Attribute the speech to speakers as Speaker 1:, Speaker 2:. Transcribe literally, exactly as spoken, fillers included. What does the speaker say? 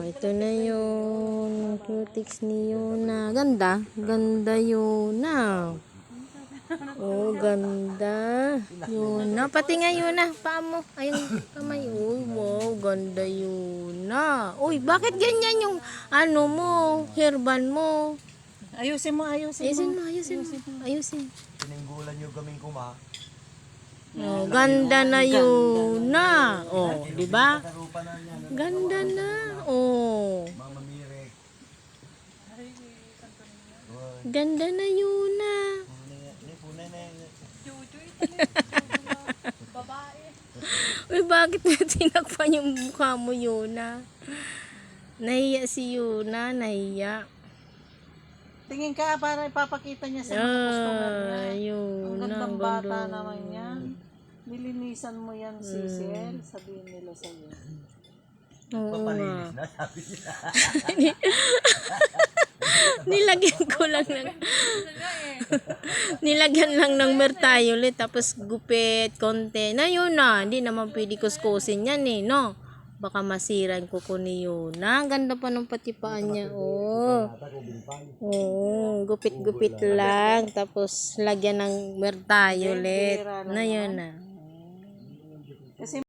Speaker 1: ito na yung cutics ni Yuna. Ganda. Ganda Yuna. Oh, ganda. Yuna. Pati nga Yuna. Paa mo. Ayun, kamay. Uy, wow. Ganda Yuna. Uy, bakit ganyan yung ano mo? Hairband mo?
Speaker 2: Ayusin mo, ayusin,
Speaker 1: Ayusin
Speaker 2: mo.
Speaker 1: mo, ayusin mo. Ayusin.
Speaker 3: Tininggulan yung gaming ko, ma.
Speaker 1: Oh, ganda na Yuna. Oh, di ba?
Speaker 3: Tarupa na niya.
Speaker 1: Ganda na. Oh.
Speaker 3: Mama Mirek.
Speaker 1: Ganda na Yuna. Uy, bakit na tinakpan yung mukha mo, Yuna? Nahiya si Yuna, nahiya.
Speaker 2: Tingin ka para ipapakita niya sa mga customer niya.
Speaker 1: Ah, Yuna.
Speaker 2: Ang gandang
Speaker 1: ang
Speaker 2: bata
Speaker 1: ganda.
Speaker 2: naman yan. Nilinisan mo yan,
Speaker 1: Hmm.
Speaker 2: C C L. Sabihin nila sa'yo.
Speaker 1: Oo nga.
Speaker 3: Papalinis na, sabi niya.
Speaker 1: Nilagyan ko lang ng nilagyan lang ng mertayulit tapos gupit, konti. Na yun na, hindi naman pwede kuskusin yan eh, no? Baka masira yung kuko ni Yuna. Ang ganda pa ng patipaan niya, oh. Oo, gupit-gupit lang. Tapos lagyan ng mertayulit. Na yun na.